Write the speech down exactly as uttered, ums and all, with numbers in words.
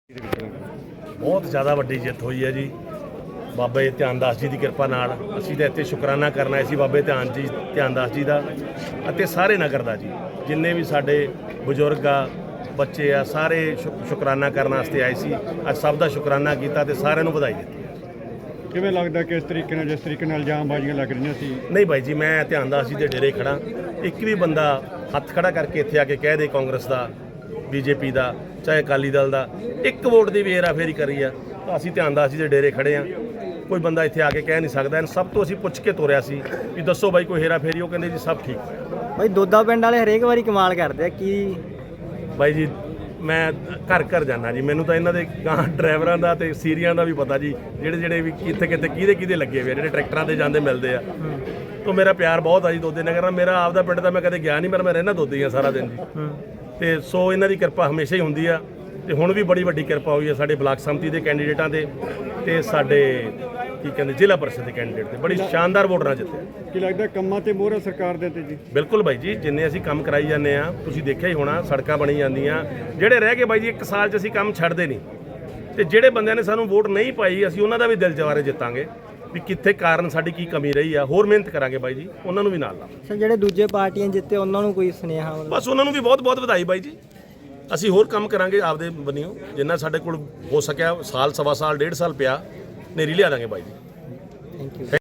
बहुत ज़्यादा वड्डी जित हुई है जी बाबे ध्यान दास जी की किरपा नाल असीं तां इत्थे शुकराना करना है सी बाबे ध्यान जी ध्यान दास जी का अते सारे नगर का जी जिन्ने भी साडे बजुर्ग आ बच्चे आ सारे शुकराना करने वास्ते आए सी अज सब का शुकराना किया ते सारिਆਂ ਨੂੰ ਵਧਾਈ ਦਿੱਤੀ। ਕਿਵੇਂ ਲੱਗਦਾ ਕਿ ਇਸ ਤਰੀਕੇ ਨਾਲ ਜਿਸ ਤਰੀਕੇ ਨਾਲ ਇਲਜ਼ਾਮਬਾਜ਼ੀਆਂ ਲੱਗ ਰਹੀਆਂ ਸੀ? नहीं भाई जी मैं ध्यान दास जी के डेरे खड़ा एक भी बंदा हथ खड़ा करके इत्थे आके कह दे कांग्रेस का बीजेपी का चाहे अकाली दल का एक वोट की भी हेरा फेरी करी है तो असीं ध्यान दास जी के डेरे खड़े हाँ कोई बंदा इत्थे आके कह नहीं सकता। सब तो असीं पुछ के तुरिया सी भी दसो भाई कोई हेरा फेरी वो कहंदे जी सब ठीक है। भाई दोदा पिंड वाले हरेक वारी कमाल करते कि भाई जी मैं घर घर जाना जी मैनू तो इन्हों के गां ड्राइवरों का तो सीरिया का भी पता जी ਜਿਹੜੇ ਜਿਹੜੇ भी कितने कितने किहदे किहदे लगे हुए ਜਿਹੜੇ ट्रैक्टरां ते जांदे मिलते आ तो मेरा प्यार बहुत आ जी दोदे नगर नाल। मेरा आपदा पिंड ਤਾਂ मैं कदे गया नहीं पर मैं रहना दोदे ही सारा दिन जी ਤੇ ਸੋ ਇਹਨਾਂ ਦੀ ਕਿਰਪਾ ਹਮੇਸ਼ਾ ਹੀ ਹੁੰਦੀ ਆ ਤੇ ਹੁਣ ਵੀ ਬੜੀ ਵੱਡੀ ਕਿਰਪਾ ਹੋਈ ਹੈ ਸਾਡੇ ਬਲਾਕ ਸੰਮਤੀ ਦੇ ਕੈਂਡੀਡੇਟਾਂ ਤੇ ਤੇ ਸਾਡੇ ਕੀ ਕਹਿੰਦੇ ਜ਼ਿਲ੍ਹਾ ਪਰਿਸ਼ਦ ਦੇ ਕੈਂਡੀਡੇਟ ਤੇ ਬੜੀ ਸ਼ਾਨਦਾਰ ਵੋਟ ਨਾਲ ਜਿੱਤੇ। ਕੀ ਲੱਗਦਾ ਕੰਮਾਂ ਤੇ ਮੋਹਰ ਸਰਕਾਰ ਦੇ ਤੇ ਜੀ? ਬਿਲਕੁਲ ਬਾਈ ਜੀ ਜਿੰਨੇ ਅਸੀਂ ਕੰਮ ਕਰਾਈ ਜਾਂਦੇ ਆ ਤੁਸੀਂ ਦੇਖਿਆ ਹੀ ਹੋਣਾ ਸੜਕਾਂ ਬਣੀ ਜਾਂਦੀਆਂ ਜਿਹੜੇ ਰਹਿ ਗਏ ਬਾਈ ਜੀ ਇੱਕ ਸਾਲ 'ਚ ਅਸੀਂ ਕੰਮ ਛੱਡਦੇ ਨਹੀਂ ਤੇ ਜਿਹੜੇ ਬੰਦਿਆਂ ਨੇ ਸਾਨੂੰ ਵੋਟ ਨਹੀਂ ਪਾਈ ਅਸੀਂ ਉਹਨਾਂ ਦਾ ਵੀ ਦਿਲ ਜਵਾਰੇ ਜਿੱਤਾਂਗੇ ਵੀ ਕਿੱਥੇ ਕਾਰਨ ਸਾਡੀ ਕੀ ਕਮੀ ਰਹੀ ਆ ਹੋਰ ਮਿਹਨਤ ਕਰਾਂਗੇ ਬਾਈ ਜੀ ਉਹਨਾਂ ਨੂੰ ਵੀ ਨਾਲ ਲਾਵਾਂਗੇ। ਸਰ ਜਿਹੜੇ ਦੂਜੇ ਪਾਰਟੀਆਂ ਜਿੱਤੇ ਉਹਨਾਂ ਨੂੰ ਕੋਈ ਸੁਨੇਹਾ ਮਤਲਬ? ਬਸ ਉਹਨਾਂ ਨੂੰ ਵੀ ਬਹੁਤ ਬਹੁਤ ਵਧਾਈ ਬਾਈ ਜੀ ਅਸੀਂ ਹੋਰ ਕੰਮ ਕਰਾਂਗੇ ਆਪਦੇ ਬੰਨਿਓ ਜਿੰਨਾ ਸਾਡੇ ਕੋਲ ਹੋ ਸਕਿਆ ਸਾਲ ਸਵਾ ਸਾਲ ਡੇਢ ਸਾਲ ਪਿਆ ਨੇਰੀ ਲਿਆ ਦਾਂਗੇ ਬਾਈ ਜੀ। Thank you.